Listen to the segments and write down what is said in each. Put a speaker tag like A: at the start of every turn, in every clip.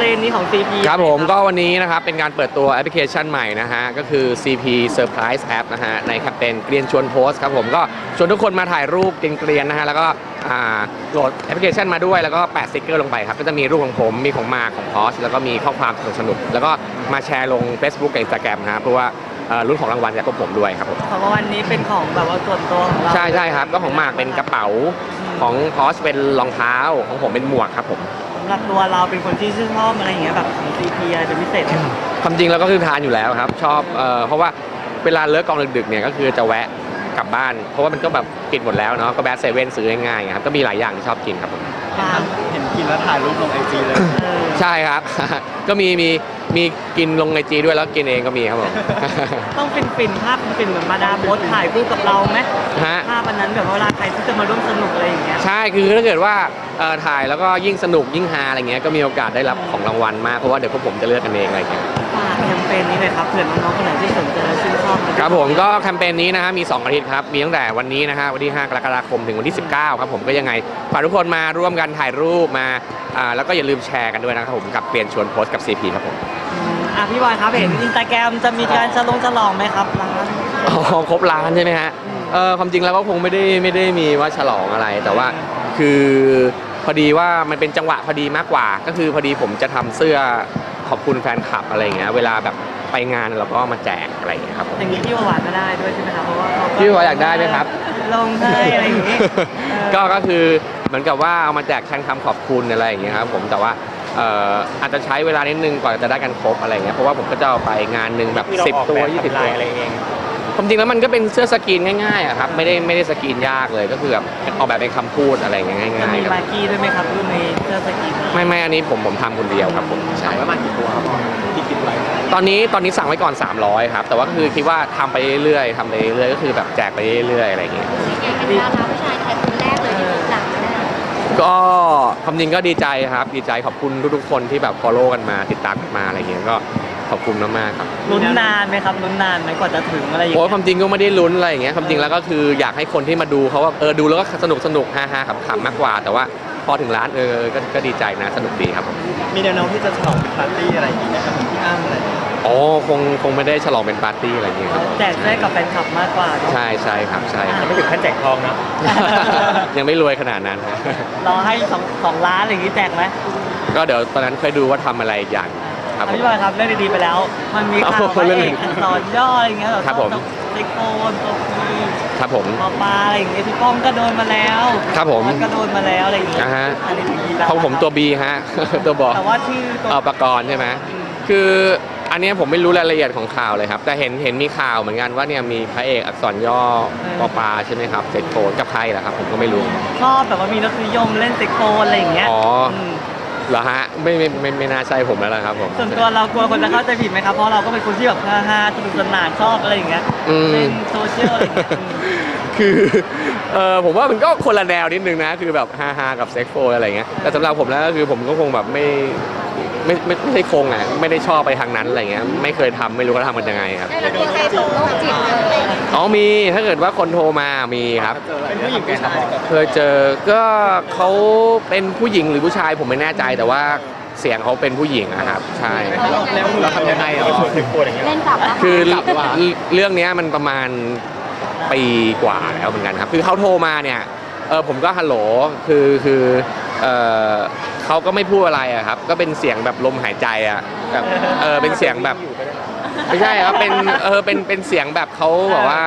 A: รนนี้ของ CP
B: ครับผมก็วันนี้นะครับเป็นการเปิดตัวแอปพลิเคชันใหม่นะฮะก็คือ CP Surprise App นะฮะในแคมเปญเกรียนชวนโพสครับผมก็ชวนทุกคนมาถ่ายรูปเกรียนๆนะฮะแล้วก็โหลดแอปพลิเคชันมาด้วยแล้วก็แปะสติ๊กเกอร์ลงไปครับก็จะมีรูปของผมมีของมาของพอสแล้วก็มีข้อความสนุกๆแล้วก็มาแชร์ลง Facebook กับ Instagram นะฮะเพราะว่ารุ่นของรางวัลจากพวกผมด้วยครับผม
A: ของรางวัลนี้เป็นของแบบว่าส่วนตัวของเรา
B: ใช่ครับก็ของมากเป็นกระเป๋าของพอสเป็นรองเท้าของผมเป็นหมวกครับผม
A: สำหรับตัวเราเป็นคนที่ชื่นชอบอะไรอย่างเงี้ยแบบของ CP อะไรเป็นพิเศษไหมครับ
B: ความจริงเราก็คือทานอยู่แล้วครับชอบเพราะว่าเวลาเลิกกองดึกๆเนี่ยก็คือจะแวะกลับบ้านเพราะว่ามันก็แบบปิดหมดแล้วเนาะก็แบดเซเว่นซื้อง่ายๆครับก็มีหลายอย่างที่ชอบกินครับผม
C: เห็นกินแล้วถ่ายรูปลงIGเลย
B: ใช่ครับ ก็มีกินลงIGด้วยแล้วกินเองก็มีครับผม
A: ต้องฟินภาพฟินเหมือนมาดามโพสถ่ายคู่กับเราไหมภาพอันนั้นแบบเวลาใครที่จะมาร่วมสนุกอะไรอย่างเงี้ย
B: ใช่คือถ้าเกิดว่าถ่ายแล้วก็ยิ่งสนุกยิ่งฮาอะไรเงี้ยก็มีโอกาสได้รับของรางวัลมากเพราะว่าเดี๋ยวพวกผมจะเลือกกันเองอะไรเงี้ย
A: ฝากแคมเปญนี้เลยครับเผื่อน้องๆคนไหนที่สนใจและชื่นชอบ
B: ครับผมก็แคมเปญนี้นะฮะมี2อาทิตย์ครับมีตั้งแต่วันนี้นะฮะวันที่5 กรกฎาคมถึงวันที่19ครับผมก็ยังไงฝากทุกคนมาร่วมกันถ่ายรูปมาแล้วก็อย่าลืมแชร์กันด้วยนะครับผมกับเปลี่ยนชวนโพสกับ CP ครับผม
A: พี่บอยครับเห็นInstagramจะมีการฉลองไหมครับร้าน
B: ครบร้านใช่ไหมฮะความจริงแล้วก็คงไม่ได้มีว่าฉลองอะไรแต่ว่าคือพอดีว่ามันเป็นจังหวะพอดีมากกว่าก็คือพอดีผมจะทำเสื้อขอบคุณแฟนคลับอะไรเงี้ยเวลาแบบไปงานเราก็มาแจกอะไรเงี้ยครับ
A: อย่างนี้พี่หวานก็ได้ด้วยใช่ไหมครับเพราะว่า
B: พี่หวานอยากได้ไหมครับ
A: ลงให้อะไรอย่างนี้
B: ก็คือเหมือนกับว่าเอามาแจกแทนคำขอบคุณอะไรอย่างเงี้ยครับผมแต่ว่าอาจจะใช้เวลานิดนึงกว่าจะได้กันครบอะไรเงี้ยเพราะว่าผมก็จะเอาไปงานหนึ่งแบบ10 ตัว20 ตัว
C: อะไรเอง
B: ความจริงแล้วมันก็เป็นเสื้อสกรีนง่ายๆครับไม่ได้สกรีนยากเลยก็คือแบบออกแบบเป็นคำพูดอะไรอย่างเงี้ยง่ายๆ
A: มีมากี้ด้วยไหมครับรุ่นในเสื้อสกรีน
B: ไม่อันนี้ผมทำคนเดียวครับผม
C: ใช่ว่ามากี่ตัวครับที่คิดไว้
B: ตอนนี้สั่งไว้ก่อน300ครับแต่ว่าคือคิดว่าทำไปเรื่อยๆก็คือแบบแจกไปเรื่อยๆอะไรอย่างเงี้ย
D: เป็นดาราผู้ชายไทยคนแรกเลยที่ถูกสั่งนะ
B: ก็ความจริงก็ดีใจครับดีใจขอบคุณทุกๆคนที่แบบ follow กันมาติดตามกันมาอะไรเงี้ยก็ขอบคุณมากๆครับ
A: ลุ้นนานไหมครับลุ้นนานไหมกว่าจะถึงอะไรอย่างเงี้ย
B: โอ้ความจริงก็ไม่ได้ลุ้นอะไรอย่างเงี้ยความจริงแล้วก็คืออยากให้คนที่มาดูเขาว่าดูแล้วก็สนุกฮาๆขำๆมากกว่าแต่ว่าพอถึงร้านก็ดีใจนะสนุกดีครับผม
C: มีแนวโน้มที่จะฉลองเป็นปาร์ตี้อะไรอย่างเงี้ยครับพี่อ้ำอะไร
B: อ๋อคงไม่ได้ฉลองเป็นปาร์ตี้อะไรอย่างเงี้ยครับ
A: แจกได้กับแฟนคลับมากกว่า
B: ใช่ครับใช่
C: ไม่ถึงขั้นแจกทองนะ
B: ยังไม่รวยขนาดนั้น
A: รอให้2 ล้านอะไรอย่างงี้แจกไหม
B: ก็เดี๋ยวตอนนั้นค่อยดูว่าทำอะไรอย่าง
A: ครับพี่บอยครับเรื่องดีๆไปแล้วมันมีข่าวว่าเอกอักษรย่ออะไรอย่างเงี้ย
B: ครับผม
A: เซ็กโคนตัวพี
B: ครับผม
A: ปลาอะไรอย่างเงี้ยพี่ป้องก็โดนมาแล้ว
B: ครับผม
A: ก็โดนมาแล้วอะไรอย่างเงี้ย
B: อันนี้ของผมตัว B ฮะตัวบอ
A: แต่ว่าชื่อตัว
B: ประกรณ์ใช่ไหมคืออันนี้ผมไม่รู้รายละเอียดของข่าวเลยครับแต่เห็นมีข่าวเหมือนกันว่าเนี่ยมีพระเอกอักษรย่อปลาใช่ไหมครับเซ็กโคนกับใครเหรอครับผมก็ไม่รู้
A: ชอบแบบว่ามีรสนิยมเล่นเซ็กโคนอะไรอย่างเงี้ย
B: อ๋อเหรอฮะไม่น่าใช่ผมแล้วล่ะครับผม
A: ส่วนตัวเรากลัวคนจะเข้าใจผิดไหมครับเพราะเราก็เป็นคนที่แบบฮาๆสนุกสนานชอบอะไรอย่างเงี้ยเล่นโซเชียลอะไรอย่างเงี้ย
B: คือผมว่ามันก็คนละแนวนิดนึงนะคือแบบฮาๆกับเซ็กโฟอะไรเงี้ยแต่สำหรับผมแล้วก็คือผมก็คงแบบไม่ใช่คงอ่ะไม่ได้ชอบไปทางนั้นอะไรเงี้ยไม่เคยทำไม่รู้เขาทำกันยังไงครับ
D: แล้วมีใครโทรโรคจิตเลย
B: อ๋อมีถ้าเกิดว่าคนโทรมามีครับ
C: เป็นผู้หญิงผู้ชาย
B: เคยเจอก็เขาเป็นผู้หญิงหรือผู้ชายผมไม่แน่ใจแต่ว่าเสียงเขาเป็นผู้หญิงนะครับใช่
C: แล้วเราทำยังไงอ่ะถึงพูดอย่างเงี้ย
D: เล่นกลับ
B: คือเรื่องนี้มันประมาณปีกว่าแล้วเหมือนกันครับคือเขาโทรมาเนี่ยผมก็ฮัลโหลคือเขาก็ไม่พูดอะไรอะครับก็เป็นเสียงแบบลมหายใจอะแบบเป็นเสียงแบบไม่ใช่ครับเป็นเสียงแบบเขาบอกว่า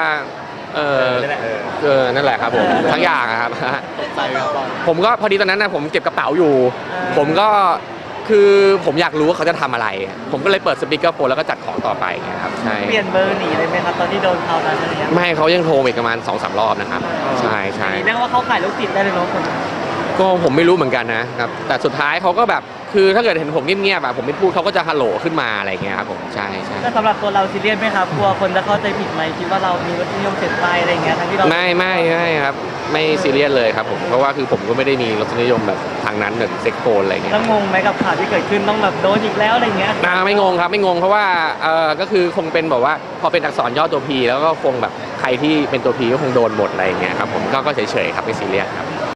B: นั่นแหละครับผมทั้งอย่างครับผมก็พอดีตอนนั้นนะผมเก็บกระเป๋าอยู่ผมก็คือผมอยากรู้ว่าเขาจะทำอะไรผมก็เลยเปิดสปีกเกอร์โฟนแล้วก็จัดของต่อไปครับใช่
A: เปลี่ยนเบอร์หนีเลยไหมครับตอนที่โดนเขานั้นอะไรเงี้ย
B: ไม่เขายังโทรอีกประมาณ2-3 รอบนะครับใช่
A: เรียกว่าเขาขายลูกจิตได้เลยเนาะคน
B: ก็ผมไม่รู้เหมือนกันนะครับแต่สุดท้ายเขาก็แบบคือถ้าเกิดเห็นผมเงียบๆแบบผมไม่พูดเขาก็จะฮัลโหลขึ้นมาอะไรเงี้ยครับผมใช่
A: ก็สำหรับตัวเราซีเรียสไหมครับกลัวคนจะเข้าใจผิดไหมคิดว่าเรามีรสนิยมเสพไปอะไรเงี้ยทั้งที่เรา
B: ไม่ครับไม่ซีเรียสเลยครับผมเพราะว่าคือผมก็ไม่ได้มีรสนิยมแบบทางนั้นแบบเซ็กโฟนอะไรเงี้ย
A: ต้องงงไหมกับข่าวที่เกิดขึ้นต้องแบบโดนอีกแล้วอะไรเงี้ย
B: ไม่งงครับไม่งงเพราะว่าก็คือคงเป็นแบบว่าพอเป็นอักษรย่อตัว P แล้วก็คงแบบใครที่เป็นตัว P ก็คงโดนหมดอะไรเงี้ยครับผมก็เฉยๆครับไม่ซีเรียสครับ